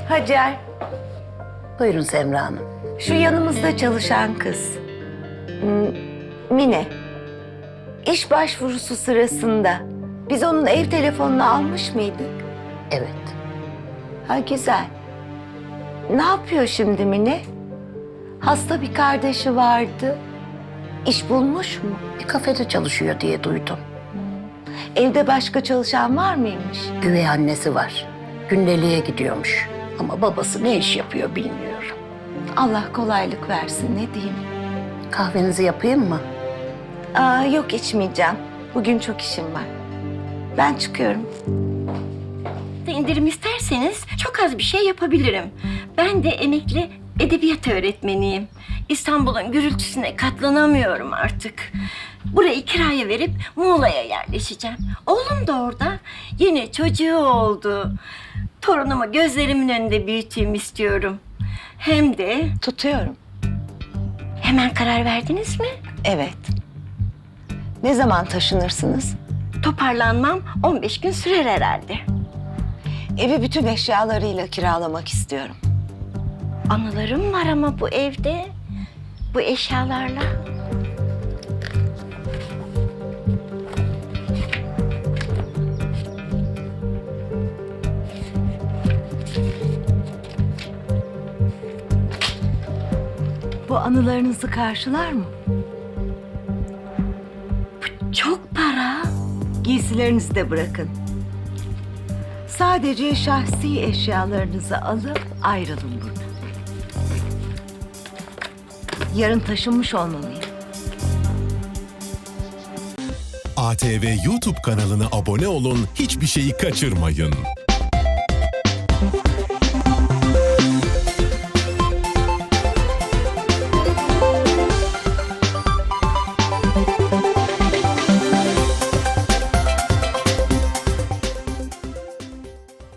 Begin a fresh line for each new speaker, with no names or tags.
Hacer,
Buyurun Semra Hanım.
şu yanımızda çalışan kız. Mine. İş başvurusu sırasında biz onun ev telefonunu almış mıydık?
Evet.
Ha güzel. Ne yapıyor şimdi Mine? Hasta bir kardeşi vardı. İş bulmuş mu?
Bir kafede çalışıyor diye duydum.
Evde başka çalışan var mıymış?
Üvey annesi var. Gündeliğe gidiyormuş. Ama babası ne iş yapıyor bilmiyorum.
Allah kolaylık versin, ne diyeyim.
Kahvenizi yapayım mı?
Yok içmeyeceğim. Bugün çok işim var. Ben çıkıyorum.
İndirim isterseniz çok az bir şey yapabilirim. Ben de emekli edebiyat öğretmeniyim. İstanbul'un gürültüsüne katlanamıyorum artık. Burayı kiraya verip Muğla'ya yerleşeceğim. Oğlum da orada. Yeni çocuğu oldu. Torunumu gözlerimin önünde büyüteyim istiyorum. Hem de
Tutuyorum.
hemen karar verdiniz mi?
Evet. Ne zaman taşınırsınız?
Toparlanmam 15 gün sürer herhalde.
Evi bütün eşyalarıyla kiralamak istiyorum.
Anılarım var ama bu evde, bu eşyalarla.
Bu anılarınızı karşılar mı?
Çok para.
Giysilerinizi de bırakın. Sadece şahsi eşyalarınızı alıp ayrılın buradan. Yarın taşınmış olmalıyım.
ATV YouTube kanalına abone olun, hiçbir şeyi kaçırmayın.